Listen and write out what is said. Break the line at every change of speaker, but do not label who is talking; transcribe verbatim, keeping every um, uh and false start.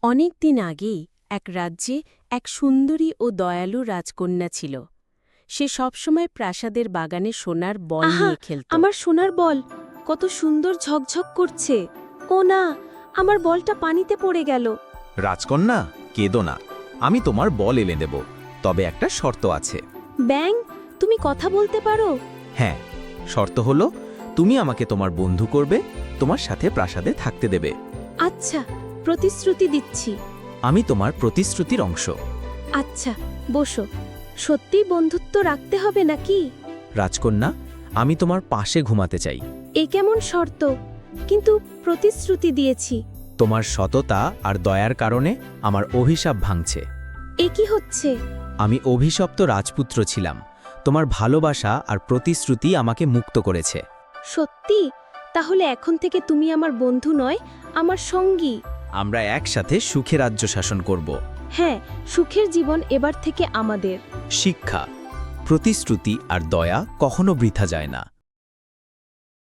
অনেক দিন আগেই এক রাজ্যে এক সুন্দরী ও দয়ালু রাজকন্যা ছিল। সে সবসময় প্রাসাদের বাগানে সোনার বল
আহা,
নিয়ে খেলত।
আমার সোনার বল কত সুন্দর ঝকঝক করছে। ও না, আমার বলটা পানিতে পড়ে গেল।
রাজকন্যা, কেঁদো না, আমি তোমার বল এনে দেব, তবে একটা শর্ত আছে।
ব্যাং, তুমি কথা বলতে পারো?
হ্যাঁ, শর্ত হলো তুমি আমাকে তোমার বন্ধু করবে, তোমার সাথে প্রাসাদে থাকতে দেবে।
আচ্ছা, প্রতিশ্রুতি দিচ্ছি।
আমি তোমার প্রতিশ্রুতির অংশ।
আচ্ছা, বসো। সত্যি বন্ধুত্ব রাখতে হবে নাকি?
রাজকন্যা, আমি তোমার পাশে ঘুমাতে চাই।
এ কেমন শর্ত? কিন্তু প্রতিশ্রুতি দিয়েছি।
তোমার সততা আর দয়ার কারণে আমার অভিশাপ ভাঙছে।
এ কি হচ্ছে?
আমি অভিশপ্ত রাজপুত্র ছিলাম, তোমার ভালোবাসা আর প্রতিশ্রুতি আমাকে মুক্ত করেছে।
সত্যি? তাহলে এখন থেকে তুমি আমার বন্ধু নয়, আমার সঙ্গী।
আমরা একসাথে সুখে রাজ্য শাসন করব।
হ্যাঁ, সুখের জীবন এবার থেকে আমাদের।
শিক্ষা, প্রতিশ্রুতি আর দয়া কখনো বৃথা যায় না।